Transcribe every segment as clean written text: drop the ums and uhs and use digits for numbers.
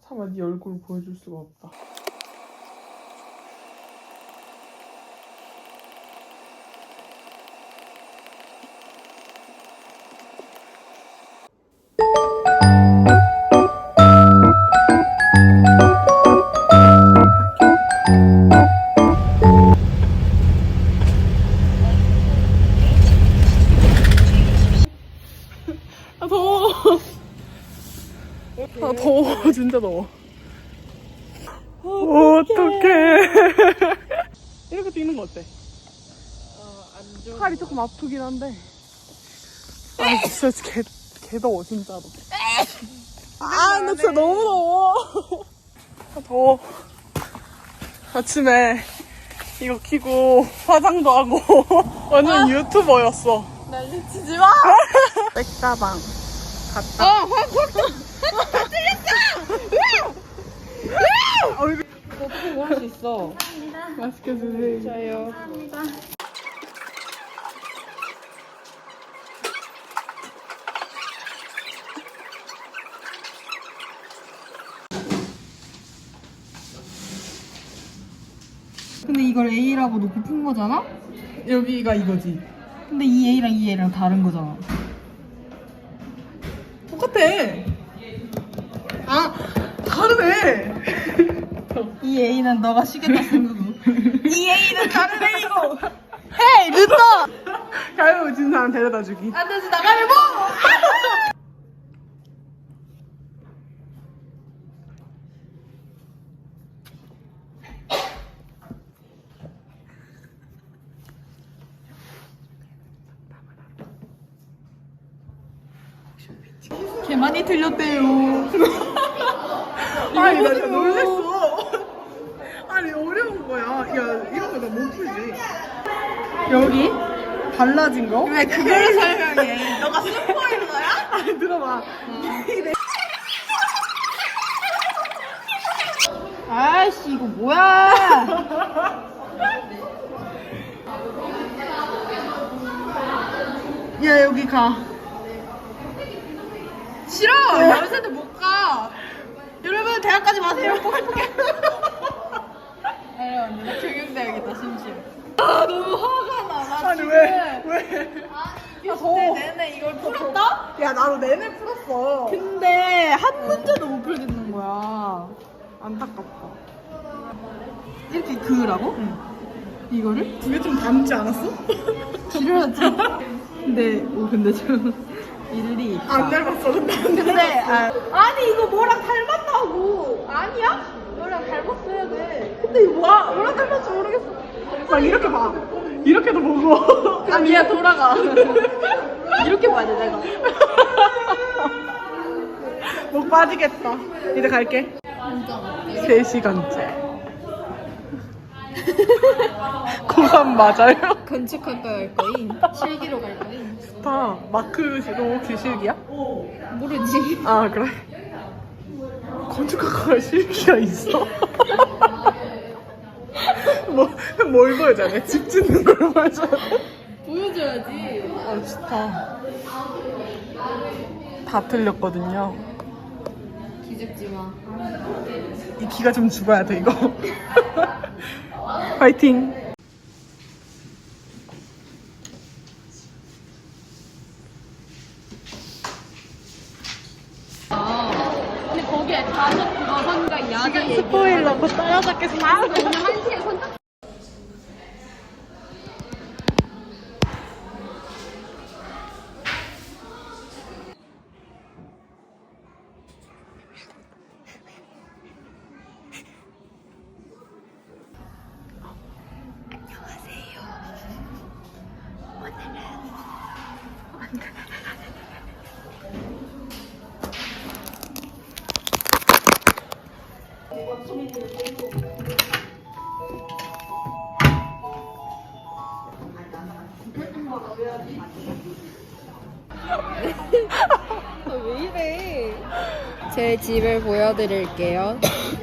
차마 네 얼굴 보여줄 수가 없다. 아 더워. 아 더워. 진짜 더워. 어떡해. 이렇게 뛰는 거 어때? 안 좋아. 팔이 조금 아프긴 한데. 아 진짜 개 더워 진짜로. 아 나 진짜 너무 더워. 아 더워. 아침에 이거 키고 화장도 하고 완전 유튜버였어. 난리치지 마! 백다방 갔다. 어떻게 모를 수 있어? 맛있게 드세요. 저요. 근데 이걸 A라고 놓고 푼 거잖아? 여기가 이거지. 근데 이 A랑 이 A랑 다른 거잖아. 똑같아. 아 다르네. 이 A는 너가 시계다 쓴 거고. 이 A는 다른 A고. 헤이 늦어! 가위바위보 진 사람 데려다 주기. 안 되지 나가면 뭐! 개 많이 틀렸대요. 아니 나 진짜 놀랬어. 아니 어려운 거야. 야 이런 거 나 못 풀지. 여기 달라진 거? 왜 그걸 설명해? 너가 스포일러야? 아니 들어봐. 아이씨 이거 뭐야? 야 여기 가. 싫어! 연세도 못 가! 여러분 대학 가지 마세요! 포기포기! 아니 언니 나 경영대학이다 심지어. 아 너무 화가 나. 나 아니 지금 왜? 아 더워. 내내 이걸 풀었다? 야 나도 내내 풀었어. 근데 한 문제도 못 풀겠는 거야. 안타깝다. 이렇게 그으라고? 응. 이거를? 그게 좀 닮지 않았어? 지루하지? 근데 좀 일리 있다. 안 닮았어. 근데 안 근데 닮았어. 아니 이거 뭐랑 닮았다고. 아니야? 뭐랑 닮았어야 돼. 근데 이거 뭐랑 닮았지 모르겠어. 막 이렇게 봐. 이렇게도 보고. 아니 야 돌아가. 이렇게 봐야 돼 내가. 목 빠지겠다. 이제 갈게. 3시간째. 고3 맞아요? 건축학과 갈 거임? 실기로 갈 거임? 스타 마크로 혹시 실기야? 모르지. 아 그래? 건축학과가 실기가 있어? 뭘 보여줘야 돼? 집 짓는 걸 보여줘야 돼? 보여줘야지. 아 스타 다 틀렸거든요. 기죽지 마. 이 기가 좀 죽어야 돼 이거. 파이팅. 근데 거기에 다섯 그거선가 야자 얘기. 스포일러 곧 따라잡겠습니다. 오늘 1시에 선착. 왜 이래? 제 집을 보여드릴게요.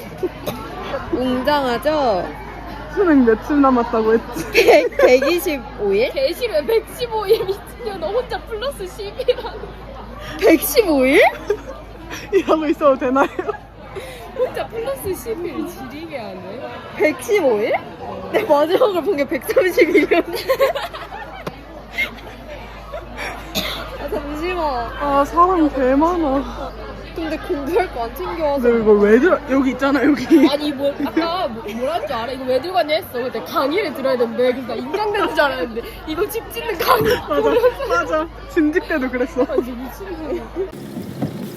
웅장하죠? 수능 며칠 남았다고 했지? 125일? 개실에 115일 미친년 너 혼자 플러스 10이라는 115일? 이러고 있어도 되나요? 혼자 플러스 10일 지리게 하네. 115일? 내 마지막을 본 게 131이었는데. 아, 잠시만. 아, 사람 개 많아. 근데 공부할 거 안 챙겨와서. 근데 이걸 왜 들어? 여기 있잖아, 여기. 아니 아까 뭐라 줄 알아? 이거 왜 들고 왔냐 했어. 근데 강의를 들어야 되는데 그래서 나 인강되는 줄 알았는데 이거 집 짓는 강의. 맞아. 진직 때도 그랬어. 아, 이제 미친놈이야.